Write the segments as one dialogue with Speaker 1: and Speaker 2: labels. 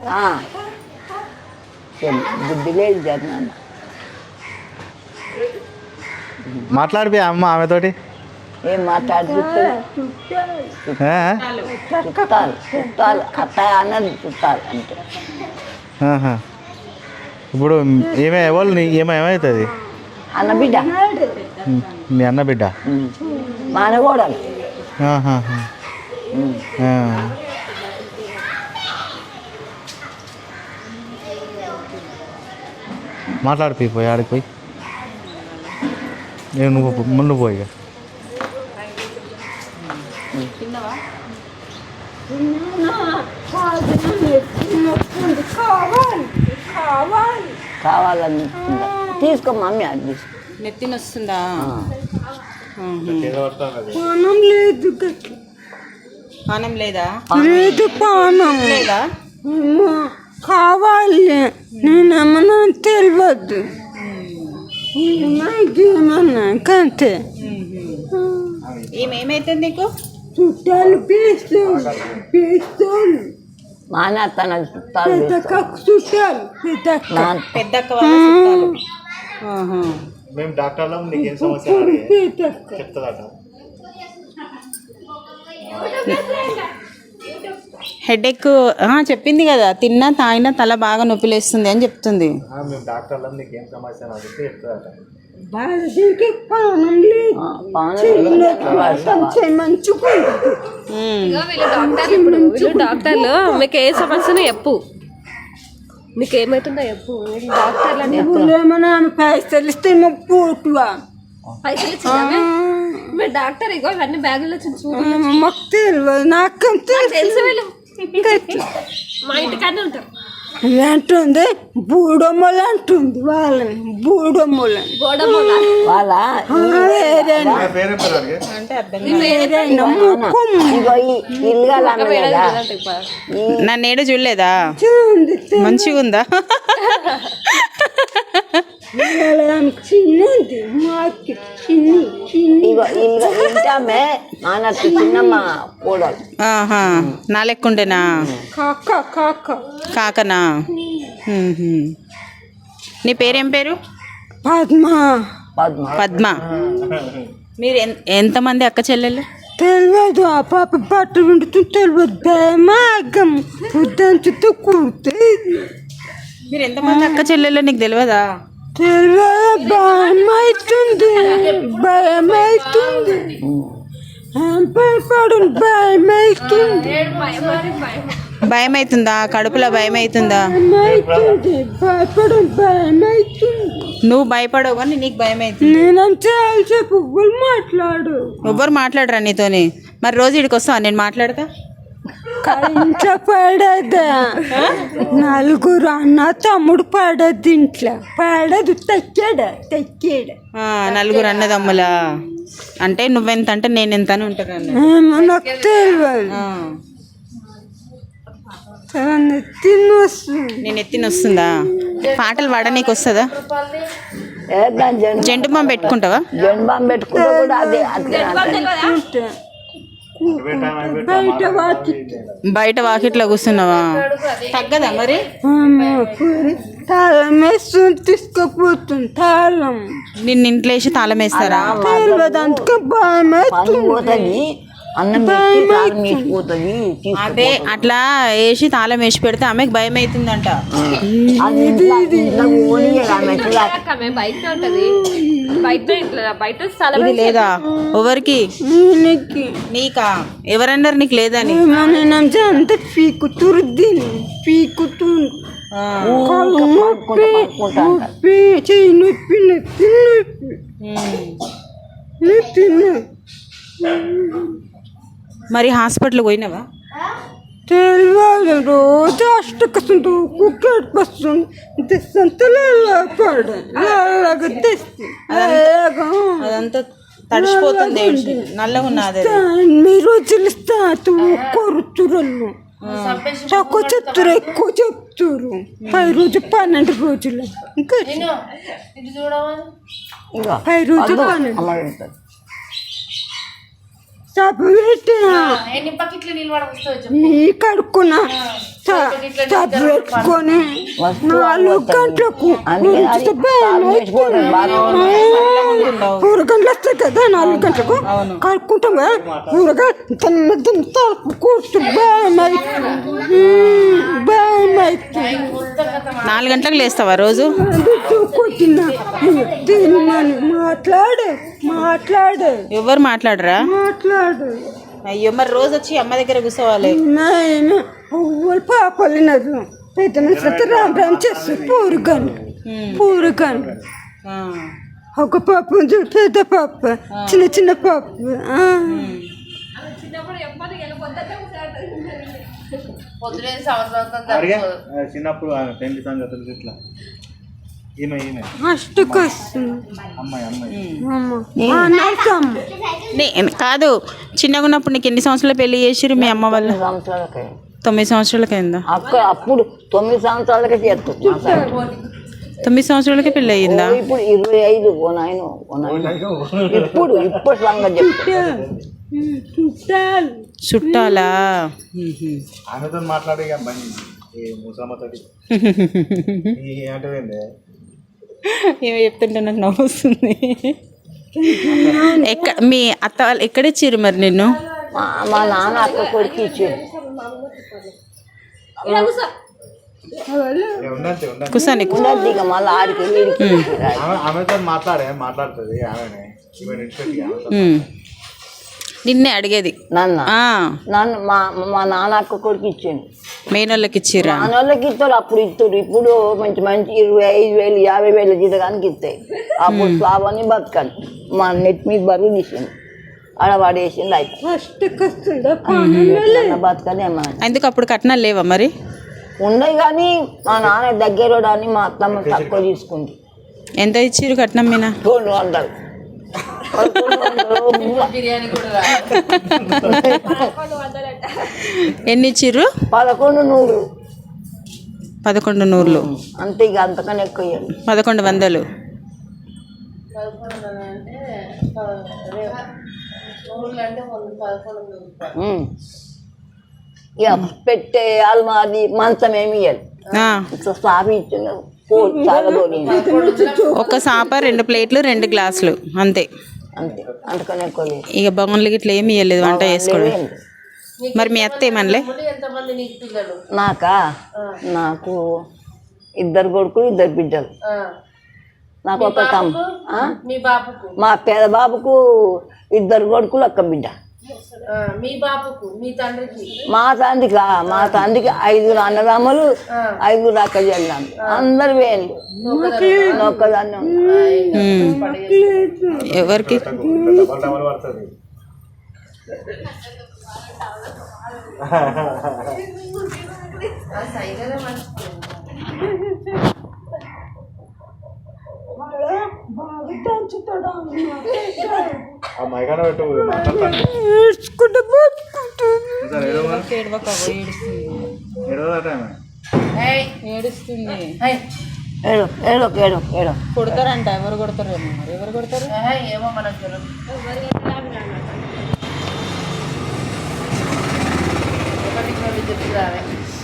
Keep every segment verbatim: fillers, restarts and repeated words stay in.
Speaker 1: బుద్ధి లేదు జగనన్న.
Speaker 2: మాట్లాడిపోయా అమ్మ ఆమెతోటి.
Speaker 1: ఏం మాట్లాడి చుట్టాలు చుట్టాలు అత్త అన్నది చుట్టాలు అంటే.
Speaker 2: ఇప్పుడు ఏమే ఎవరు ఏమో ఏమవుతుంది?
Speaker 1: అన్న బిడ్డ,
Speaker 2: మీ అన్న బిడ్డ
Speaker 1: మానగోడలు.
Speaker 2: మాట్లాడిపోయి పోయి ఆడికి పోయి నేను నువ్వు ముందు పోయి
Speaker 1: కావాలని తీసుకో మమ్మీ, అది తీసుకో.
Speaker 3: నెత్తిన వస్తుందా?
Speaker 4: పానం లేదు,
Speaker 3: పానం లేదా?
Speaker 4: లేదు పానం
Speaker 3: లేదా?
Speaker 4: కావాలి. నేనేమన్నా తెలియదు, ఏమన్నా కంతే.
Speaker 3: ఏమేమైతుంది నీకు?
Speaker 4: చుట్టాలు పీస్తాలు పీస్తాలు
Speaker 1: మానేస్తాను చుట్టాలు.
Speaker 4: చుట్టాలు
Speaker 3: పెద్దక్క వాళ్ళ చుట్టాలు.
Speaker 2: మేము డాక్టర్లం, నీకేం సమస్య చెప్తుందట.
Speaker 3: హెడేక్ చెప్పింది కదా, తిన్నా తాగినా తల బాగా నొప్పి లేస్తుంది అని చెప్తుంది.
Speaker 2: మేము డాక్టర్లం, నీకేం సమస్య అని అడిగితే చెప్తుందట.
Speaker 4: పానం లేదు,
Speaker 5: వీళ్ళు డాక్టర్లు మీకు ఏ సమస్యను చెప్పు, నీకేమవుతుందో చెప్పు. డాక్టర్లు
Speaker 4: ఏమన్నా పైసలు ఇస్తే పోటువా
Speaker 5: పైసలు ఇచ్చిందా? మీరు డాక్టర్ ఇగో ఇవన్నీ బ్యాగుల్లో
Speaker 4: మాకు తెలియదు, నాకు
Speaker 5: తెలుసు. వీళ్ళు మా ఇంటికానే ఉంటారు.
Speaker 4: అంటుంది బూడమ్మలు అంటుంది వాళ్ళని, బూడమ్మలని
Speaker 1: వాళ్ళ
Speaker 3: నా నేడు చూడలేదా? మంచిగా ఉందా?
Speaker 4: చిన్నది మాకి చిన్ని చిన్ని
Speaker 1: ఇంటామే మానట్టు చిన్నమ్మ కూడలు.
Speaker 3: నా లెక్కుండేనా?
Speaker 4: కాక కాక
Speaker 3: కాకనా? నీ పేరేం పేరు?
Speaker 4: పద్మ.
Speaker 1: పద్మ.
Speaker 3: పద్మ. మీరు ఎంతమంది అక్క చెల్లెళ్ళు?
Speaker 4: తెలియదు, ఆ పాప బట్ట వింటుంది తెలియదు. భయమాగం పొద్దంచుతో కూర్తే.
Speaker 3: మీరు ఎంతమంది అక్క చెల్లెళ్ళు నీకు తెలియదా?
Speaker 4: తెలియదు, భయమవుతుంది భయమవుతుంది భయపడు భయమవుతుంది
Speaker 3: భయం అవుతుందా? కడుపులో భయం అవుతుందా?
Speaker 4: భయమవుతుంది భయపడు భయమవుతుంది.
Speaker 3: నువ్వు భయపడవు కానీ నీకు భయం అవుతుంది.
Speaker 4: నేనంటే చెప్పు మాట్లాడు.
Speaker 3: ఎవ్వరు మాట్లాడరా నీతోని? మరి రోజు ఇక్కడికి వస్తావా? నేను మాట్లాడతా.
Speaker 4: ఇంట్లో పడదా, నలుగురు అన్న తమ్ముడు పడద్దు, ఇంట్లో పడదు. తెక్కాడా తెక్కాడా
Speaker 3: నలుగురు అన్నదమ్ములా? అంటే నువ్వెంత అంటే నేను ఎంత అని ఉంటాను.
Speaker 4: నాకు తెలియదు. నెత్తిన వస్తుంది.
Speaker 3: నేను ఎత్తిన వస్తుందా? పాటలు పాడ నీకు వస్తుందా? జంటు బాంబు పెట్టుకుంటావా?
Speaker 1: జంటు బాంబు పెట్టుకుంటా కూడా అదే అట్లా.
Speaker 4: బయట వాకి
Speaker 3: బయట వాకిట్లో కూర్చున్నావా? తగ్గదా మరి?
Speaker 4: తాళం వేస్తుంది, తీసుకుపోతుంది తాళం.
Speaker 3: నిన్ను ఇంట్లో వేసి తాళం వేస్తారా?
Speaker 4: తెలియదు, అందుకే భయం
Speaker 1: పోతుంది. అన్నం పోతుంది.
Speaker 3: అదే అట్లా వేసి తాళం వేసి పెడితే ఆమెకు భయం అవుతుందంట. ఇది లేదా ఎవరికి? నీకా? ఎవరన్నారు నీకు లేదని?
Speaker 4: అంత పీకుతురు దీన్ని పీకుతుంది. చెయ్యి నొప్పి నొప్పి నొప్పి నొప్పి.
Speaker 3: మరి హాస్పిటల్ పోయినావా?
Speaker 4: తెలియదు, రోజు అష్టకస్తుంటూ కుక్కడి వస్తుంది తెస్తంతలా పడగా తెస్తే
Speaker 3: అదంతా తడిసిపోతుంది, నల్లగా ఉన్నది.
Speaker 4: మీ రోజులు ఇస్తా కొరుతురలు తక్కువ చెప్తారు, ఎక్కువ చెప్తారు. పది రోజు పన్నెండు రోజులు ఇంకా పది రోజు పన్నెండు సబ్బు పెట్టిన
Speaker 6: ఎన్ని బకెట్లు నీళ్ళు వాడ వస్తావు
Speaker 4: ఈ కడుక్కున్నా సబ్బు పెట్టుకొని నాలుగు గంటలకు ఉంచితే భయం అవుతుంది. కూరగాయలు వస్తాయి కదా నాలుగు గంటలకు కడుక్కుంటాం కదా కూరగాయలు తిన్న తలుపు కూర్చు భయం అవుతుంది భయం అవుతుంది.
Speaker 3: నాలుగు గంటలకు లేస్తావా రోజు?
Speaker 4: కొట్టినా తిన్నాను మాట్లాడు మాట్లాడు
Speaker 3: ఎవరు మాట్లాడరా?
Speaker 4: మాట్లాడు
Speaker 3: అయ్యో మరి రోజు వచ్చి అమ్మ దగ్గర కూర్చోవాలి.
Speaker 4: నాయన ఊళ్ళు పాపలు పెద్ద మనుషులతో రామ్ రామ్ చేస్తారు పూరగాను పూరగాను ఒక పాప ఉంది పెద్ద పాప చిన్న చిన్న పాప
Speaker 6: పొద్దునే సంవత్సరం
Speaker 2: అడిగా చిన్నప్పుడు పెళ్లి సంగతులు ఇట్లా ఈమె ఈమె
Speaker 4: అష్టకు వస్తుంది
Speaker 2: అమ్మాయి అమ్మాయి
Speaker 3: నే- కాదు చిన్నగా ఉన్నప్పుడు నీకు ఎన్ని సంవత్సరాలు పెళ్లి చేసిరు మీ అమ్మ వాళ్ళు?
Speaker 1: సంవత్సరాలకి
Speaker 3: తొమ్మిది సంవత్సరాలకి అయిందా?
Speaker 1: అక్కడ అప్పుడు తొమ్మిది సంవత్సరాలకే చేస్తుంది మా సార్.
Speaker 3: తొమ్మిది సంవత్సరాలకి పెళ్ళి అయ్యిందా?
Speaker 1: ఓ ఇప్పుడు ఇరవై ఐదు ఓ నాయన ఓ నాయన ఇప్పుడు ఇప్పుడు సంగతి చెప్తాను.
Speaker 3: చుట్టాలా?
Speaker 2: ఆమెతో మాట్లాడే బండి ఈ ముసమ్మతోటి అంటే
Speaker 3: ఏమో చెప్తుంటే నాకు నవ్వు వస్తుంది. ఎక్కడ మీ అత్త వాళ్ళు ఎక్కడ ఇచ్చిర్రు మరి నిన్ను?
Speaker 1: మా మా నాన్న అక్క కొడుకు ఇచ్చాడు.
Speaker 2: ఉండంతే ఉండంతే
Speaker 3: కుసా నీకు
Speaker 1: ఉండద్దు ఇక మళ్ళీ ఆడికి వీడికి
Speaker 2: ఆమె ఆమెతో మాట్లాడే మాట్లాడుతుంది ఆమెనే ఈమె నిడిచిపెట్టి ఆమెతో
Speaker 3: ఉమ్. నిన్నే అడిగేది.
Speaker 1: నన్ను
Speaker 3: ఆ,
Speaker 1: నన్ను మా మా నాన్న అక్క కొడుకు ఇచ్చాడు.
Speaker 3: మేనోళ్ళకి ఇచ్చిర్రా?
Speaker 1: నాన్నోళ్ళకి ఇస్తారు అప్పుడు ఇస్తారు. ఇప్పుడు మంచి మంచి ఇరవై ఐదు వేలు యాభై వేలు జీతగానికి ఇస్తాయి. అప్పుడు స్లాబ్ అని బతకాలి. మా నెట్ మీద బరువు తీసింది ఆడ పడేసింది అయిపోయి
Speaker 4: అష్టకు వస్తుందా
Speaker 1: బతకని అమ్మా
Speaker 3: ఎందుకు అప్పుడు కట్నాలు లేవా మరి?
Speaker 1: ఉన్నాయి కానీ మా నాన్న దగ్గర అని మా అత్తమ్మ తక్కువ తీసుకుంది.
Speaker 3: ఎంత ఇచ్చిర్రు కట్నం మీనా?
Speaker 1: రెండు వందలు
Speaker 6: బిర్యానీ కూడా
Speaker 3: ఎన్ని ఇచ్చిర్రు?
Speaker 1: పదకొండు నూరు
Speaker 3: పదకొండు నూరులు.
Speaker 1: అంతే ఇక అంతకన్నా ఎక్కువ ఇవ్వండి.
Speaker 3: పదకొండు వందలు.
Speaker 1: ఇక పెట్టే అల్మాది మంచం ఏమి ఇవ్వాలి.
Speaker 3: ఆ,
Speaker 1: ఇట్లా స్లాబ్ ఇచ్చిన చాలబోని
Speaker 3: ఒక సాప రెండు ప్లేట్లు రెండు గ్లాసులు అంతే.
Speaker 1: అంతే అంతకన్నా ఎక్కువ లేదు.
Speaker 3: ఇక బొమ్మలకి ఇట్లా ఏమి ఇవ్వలేదు వంట చేసుకోవడం. మరి మీ అత్త ఏమనలే?
Speaker 6: ఎంతమంది నీకు పిల్లలు?
Speaker 1: నాకా నాకు ఇద్దరు కొడుకులు ఇద్దరు బిడ్డలు. నాకు ఒక తమ్ము ఆ?
Speaker 6: మీ బాబుకు?
Speaker 1: మా పేద బాబుకు ఇద్దరు కొడుకులు ఒక్క బిడ్డ.
Speaker 6: ఆ, మీ బాబుకు మీ తండ్రికి?
Speaker 1: మా తండ్రికి మా తండ్రికి ఐదుగురు అన్నదమ్ములు ఐదుగురు అక్క చెల్లాము అందరు వేళ్ళు ఒక్కదాన్ని
Speaker 3: ఉమ్. ఎవరికి?
Speaker 2: డబల్ డబల్ పడుతుంది ఆ మైకాడ పెట్టు మాట్లాడతాను
Speaker 4: ఏడ్చుకుంటూ బతుకుంటుంది
Speaker 2: సార్ ఏడవదట ఆమె
Speaker 3: ఏడుస్తుంది.
Speaker 1: ఏడు ఏడు ఏడు ఏడు
Speaker 3: కొడతారంట. ఎవరు కొడతారేమో మరి. ఎవరు కొడతారు?
Speaker 6: ఏమో మనకు తెలియదు. ఒకటికి రెండు చెప్తారే.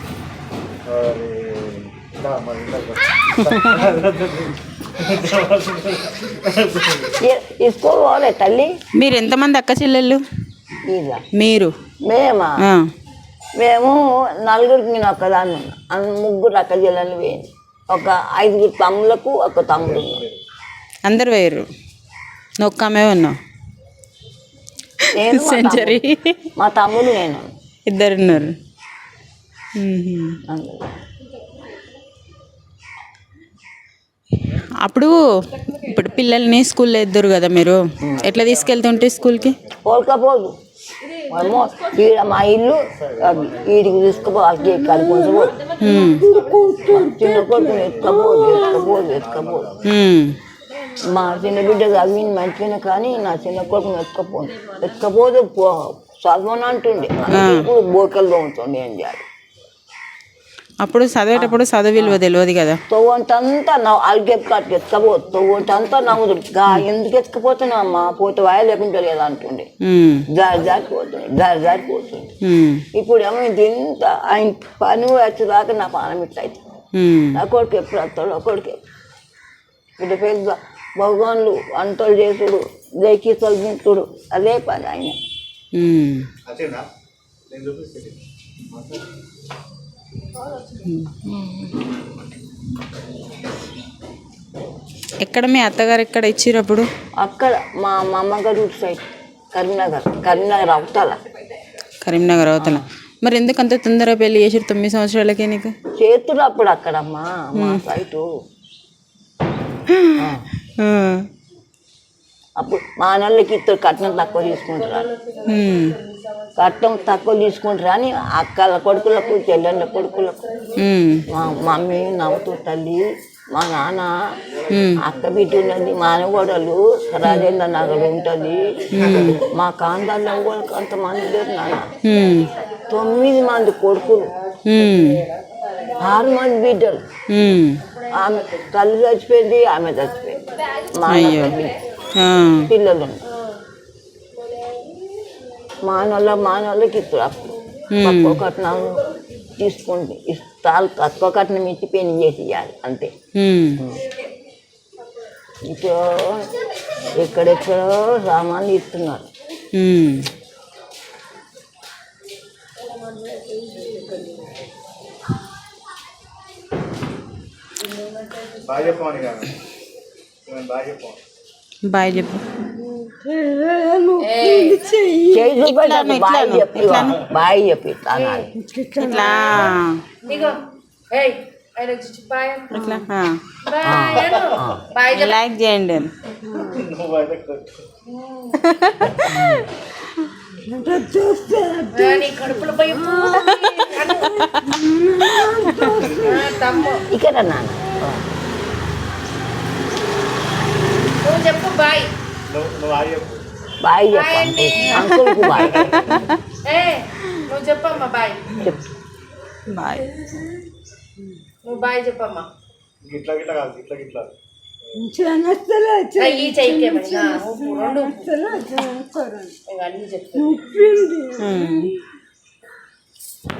Speaker 1: స్కూల్ పోలే తల్లి.
Speaker 3: మీరు ఎంతమంది అక్క చెల్లెళ్ళు?
Speaker 1: ఇలా
Speaker 3: మీరు?
Speaker 1: మేమా
Speaker 3: ఆ,
Speaker 1: మేము నలుగురికి నేను ఒక్కదాన్ని ఉన్నా. అన్- ముగ్గురు అక్క చెల్లెలు వేయండి. ఒక ఐదుగురు తమ్ములకు ఒక తమ్ముడు ఉన్నాడు.
Speaker 3: అందరు వేరు. నువ్వు ఒక్క ఆమె ఉన్నావు.
Speaker 1: నేను మా
Speaker 3: సెంచరీ.
Speaker 1: తమ్ముడు- మా తమ్ముడు నేను
Speaker 3: ఇద్దరున్నారు. ఉహుం.
Speaker 1: అందులో.
Speaker 3: అప్పుడు ఇప్పుడు పిల్లల్ని స్కూల్లో ఇద్దరు కదా మీరు, ఎట్లా తీసుకెళ్తుంటే స్కూల్కి?
Speaker 1: పోల్కపోదు మనము ఈడ మా ఇల్లు అది వీడికి తీసుకుపో వాళ్ళకి కలిపి
Speaker 3: ఉమ్.
Speaker 1: చిన్న కొడుకుని ఎత్తుకపోదు ఎత్తుకపోదు ఎత్తుకపోదు
Speaker 3: ఉమ్.
Speaker 1: మా చిన్న బిడ్డ చదివింది మంచిగానే కానీ నా చిన్న కొడుకుని ఎత్తుకపోదు ఎత్తుకపోదు చదవను అంటుండే. అందుకే ఇప్పుడు బోకలు తోముతుండే ఏం చేయాలి.
Speaker 3: అప్పుడు చదివేటప్పుడు చదువు విలువ తెలియదు కదా.
Speaker 1: తొవ్వంటంతా నవ్వు అలిగేపు కాటికి ఎత్తుకపో తొవ్వంటంతా నవ్వుతుంది గా ఎందుకు ఎత్తుకపోతున్నావు అమ్మా పోతే వాయ లేకుండా లేదా అంటుండే.
Speaker 3: ఉమ్,
Speaker 1: జారి జారిపోతుంది జారి జారిపోతుంది.
Speaker 3: ఉమ్,
Speaker 1: ఇప్పుడు ఏమో ఇది ఇంత ఆయన పని వచ్చేదాకా నా పానం ఇట్లా అవుతుంది.
Speaker 3: ఉమ్,
Speaker 1: నా కొడుకు ఎప్పుడు వస్తాడు ఆ కొడుకు ఇప్పుడు పెద్ద భగవాన్లు వంటలు చేసుడు దయకీతలు తింటుడు అదే పని ఆయన.
Speaker 3: ఉమ్.
Speaker 2: వచ్చిందా నేను చూపిస్తే
Speaker 3: ఎక్కడ మీ అత్తగారు ఎక్కడ ఇచ్చిర్రు అప్పుడు?
Speaker 1: అక్కడ మా మా అమ్మగారు ఇటు సైడ్ కరీంనగర్ కరీంనగర్ అవతల
Speaker 3: కరీంనగర్ అవతల. మరి ఎందుకు అంత తొందరగా పెళ్లి చేసారు తొమ్మిది సంవత్సరాలకే నీకు?
Speaker 1: చేతులు అప్పుడు అక్కడమ్మా మా సైటు
Speaker 3: ఆ,
Speaker 1: అప్పుడు మా అన్నళ్ళకి ఇద్దరు కట్నం తక్కువ తీసుకుంటారా
Speaker 3: ఉమ్,
Speaker 1: కట్నం తక్కువ తీసుకుంటారా అని అక్కల కొడుకులకు చెల్లెళ్ళ కొడుకులకు
Speaker 3: ఉమ్,
Speaker 1: మా మమ్మీ నవ్వుతూ తల్లి మా నాన్న
Speaker 3: ఉమ్,
Speaker 1: అక్క బిడ్డ ఉన్నది మానగోడలు రాజేంద్ర నగర్ ఉంటుంది మా కాంతాల్లో కూడా కొంతమంది లేరు నాన్న
Speaker 3: ఉమ్,
Speaker 1: తొమ్మిది మంది కొడుకులు
Speaker 3: ఉమ్,
Speaker 1: ఆరు మంది బిడ్డలు
Speaker 3: ఉమ్.
Speaker 1: ఆమె తల్లి చచ్చిపోయింది ఆమె చచ్చిపోయింది మా
Speaker 3: అయ్యో. ఆ,
Speaker 1: పిల్లలు ఉన్నారు. మానవుల మానవులకి ఇప్పుడు అప్పుడు తక్కువ కట్నాలు తీసుకుంటే ఇస్తాలు తక్కువ కట్నం ఇచ్చి పెళ్లి చేసి ఇవ్వాలి అంతే.
Speaker 3: ఉమ్,
Speaker 1: ఇప్పుడు ఎక్కడెక్కడో సామాన్లు ఇస్తున్నారు.
Speaker 3: ఉమ్.
Speaker 2: బాగా చెప్పమని కానీ బాగా చెప్పమని
Speaker 3: బాయ్ చెప్పు.
Speaker 1: చేయి చూపెట్టాలి బాయ్ చెప్పి బాయ్ చెప్పి అనాలి.
Speaker 3: ఇట్లా
Speaker 6: ఇగో ఏయ్ ఆయన వచ్చి బాయ్ అను.
Speaker 3: ఇట్లా ఆ.
Speaker 6: బాయ్ అను. బాయ్ చెప్పు.
Speaker 3: లైక్ చేయండి.
Speaker 2: నువ్వు అయితే
Speaker 6: ఆ, నీ కడుపులో పోయి తమ్ము
Speaker 1: ఇక్కడ నాన్న
Speaker 6: నువ్వు చెప్పు బాయ్.
Speaker 2: నువ్వు నువ్వు బాగా చెప్పు
Speaker 1: బాయ్ చెప్పండి అంకుల్కు బాయ్
Speaker 6: ఏ నువ్వు చెప్పమ్మా బాయ్.
Speaker 1: చెప్పు.
Speaker 3: బాయ్.
Speaker 6: నువ్వు బాయ్ చెప్పమ్మా.
Speaker 2: ఇట్లా గిట్లా కాదు ఇట్లా గిట్లా
Speaker 6: ఆ, ఈ చెయ్యికేమైనా రెండు ఇక అన్నీ చెప్తాను.
Speaker 3: ఉమ్.